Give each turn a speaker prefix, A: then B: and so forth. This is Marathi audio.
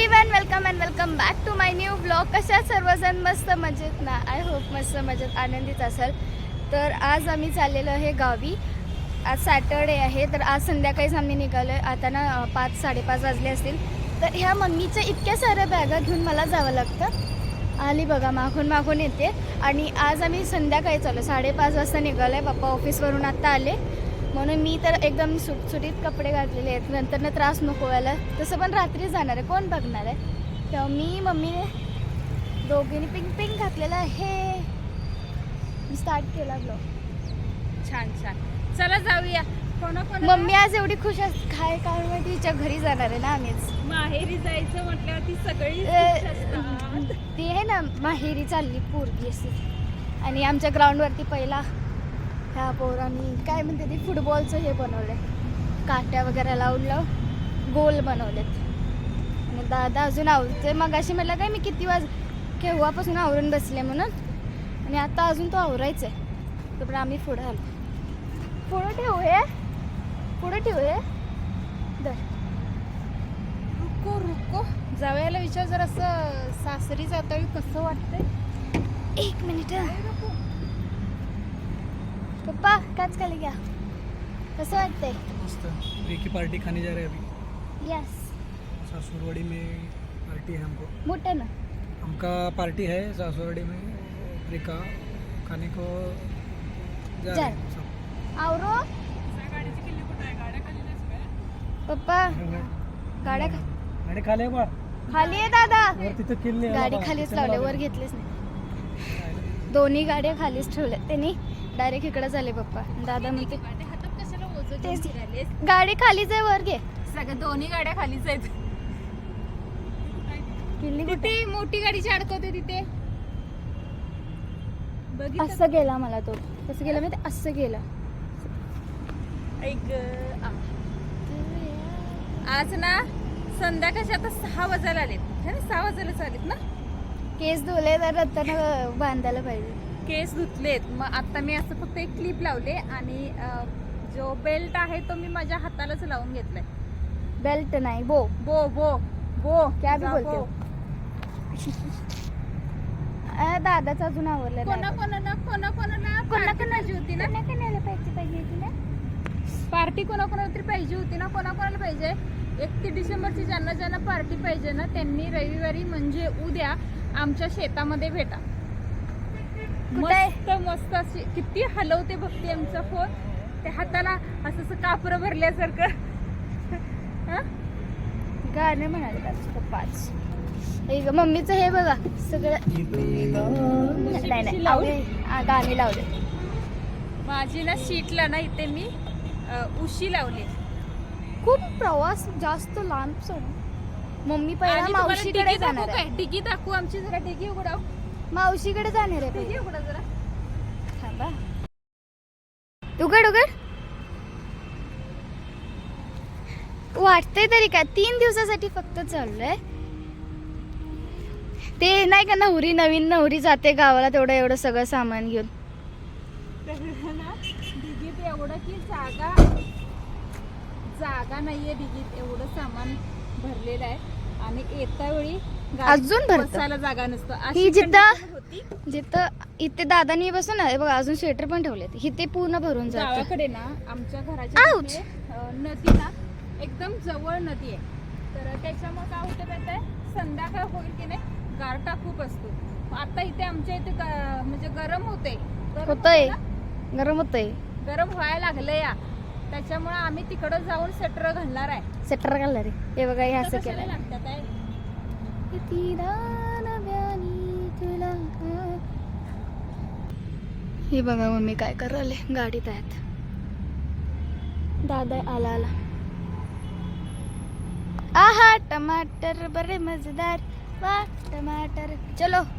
A: Everyone, welcome and welcome back to my new blog. कशा सर्वजण मस्त मजेत ना? आय होप मस्त मजेत आनंदित असेल. तर आज आम्ही चाललेलो आहे गावी. आज सॅटर्डे आहे, तर आज संध्याकाळीच आम्ही निघालो आहे. आता ना 5-5:30 वाजले असतील. तर ह्या मम्मीच्या इतक्या साऱ्या बॅगा घेऊन मला जावं लागतं. आली बघा, मागून येते. आणि आज आम्ही संध्याकाळी चाललो, 5:30 वाजता निघालो आहे. पप्पा ऑफिसवरून आत्ता आले, म्हणून मी तर एकदम सुटसुटीत कपडे घातलेले आहेत. नंतर त्रास नको व्हायला. तसं पण रात्री जाणार आहे, कोण बघणार आहे. तेव्हा मी मम्मीने दोघींनी पिंक घातलेलं आहे. मी स्टार्ट केला ब्लॉग.
B: छान छान, चला जाऊया.
A: मम्मी आज एवढी खुश काय कारण माहिती, तिच्या घरी जाणार आहे ना आम्हीच.
B: माहेरी जायचं म्हटल्यावर ती सगळी
A: ती आहे ना माहेरी चालली पोरगी अशी. आणि आमच्या ग्राउंडवरती पहिला ह्या पोरांनी काय म्हणते ती फुटबॉलचं हे बनवलंय, काट्या वगैरे लावून गोल बनवलेत. आणि दादा अजून आवरते. मग अशी म्हटलं काय मी किती केव्हापासून आवरून बसले म्हणून, आणि आता अजून तो आवरायचं आहे. तर आम्ही पुढे आलो. पुढं ठेवू हे, पुढे ठेवू हे.
B: रुको रुको, जावयाला विचार जर असं सासरी जाता कसं वाटतंय.
A: 1 मिनिट. पप्पा काच खाली घ्या. कसं वाटतंय?
C: मस्त. की पार्टी खाने जा रहे हैं अभी.
A: यस.
C: सासुरवाड़ी में पार्टी है हमको.
A: मोठं ना.
C: हमका पार्टी है सासुरवाड़ी में. प्रिका खाने को जा रहे हैं सब.
A: आवरो पप्पा. गाड्या
C: गाडी खाली बा.
A: खाली आहे दादा.
C: वर तिथं किल्ले
A: गाडी खालीच लावले, वर घेतलेच नाही. दोन्ही गाड्या खालीच ठेवल्या त्यांनी. डायरेक्ट इकडे झाले पप्पा. दादा म्हणते तेच, गाडी खालीच आहे, वर घे.
B: सगळ्या दोन्ही गाड्या खालीच आहेत.
A: किल्ली
B: किती मोठी गाडीची अडकवते तिथे.
A: असं गेला मला तो. कसं गेला मी, ते असं गेला.
B: आज ना संध्याकाळचे आता 6 वाजायला आलेत. 6 वाजायला आलेत ना.
A: केस धुले तर रत्ताना बांधायला पाहिजे.
B: केस धुतलेत. मग आता मी असं फक्त एक क्लिप लावले आणि जो बेल्ट आहे तो मी माझ्या हातालाच लावून घेतलाय.
A: बेल्ट नाही, बो
B: बो बो बो
A: क्या भी बोलते हो. दादाच अजून आवरलं
B: कोणाकोणाला पाहिजे होती ना.
A: पाहिजे ना.
B: पार्टी कोणाकोणाला तरी पाहिजे होती ना. कोणाकोणाला पाहिजे. 31 डिसेंबरची ज्यांना ज्यांना पार्टी पाहिजे ना, त्यांनी रविवारी म्हणजे उद्या आमच्या शेतामध्ये भेटा. मस्त मस्त अशी किती हलवते बघते आमचा फोन. त्या हाताला असं कापरं भरल्यासारखं.
A: गाणं म्हणाले पप्पाच. मम्मीचं हे बघा सगळं. गाणी लावले.
B: माझी ना शीटला ना इथे मी उशी लावली.
A: खूप प्रवास जास्त लांब. मम्मी पहिला मावशीकडे जाणार आहे.
B: डिगी दाखवू आमची. जरा डिगी उघडाव.
A: मावशीकडे जाणार आहे.
B: डिगी उघडा जरा.
A: थांबा. उघड उघड. वाटतंय तरी काय 3 दिवसासाठी फक्त चाललंय. ते नाही का नवीन नवरी जाते गावाला, तेवढं एवढं सगळं सामान घेऊन.
B: डिगीत एवढं की जागा नाहीये. डिगीत एवढं सामान भरलेलं आहे. आणि येत्या वेळी
A: अजून
B: बसायला जागा नसतं.
A: ही जिथं इथे दादानी बसून आहे बघा, अजून स्वेटर पण ठेवले. इथे पूर्ण भरून जातं.
B: गावाकडे ना आमच्या घराच्या नदी ना एकदम जवळ नदी आहे. तर त्याच्यामुळे काय होतं माहिती, संध्याकाळ होईल की नाही गारठा खूप असतो. आता इथे आमच्या इथे म्हणजे गरम होतंय.
A: गरम होतंय.
B: गरम व्हायला लागलं या. त्याच्यामुळे आम्ही तिकडं जाऊन स्वेटर घालणार आहे.
A: स्वेटर घालणार आहे. हे बघा, हे असं केलं.
B: लागतात आहे.
A: हे बघा मम्मी काय करायले, गाडीत आहेत. दादा आला. आहा टमाटर बरे मजेदार. वाह टमाटर. चलो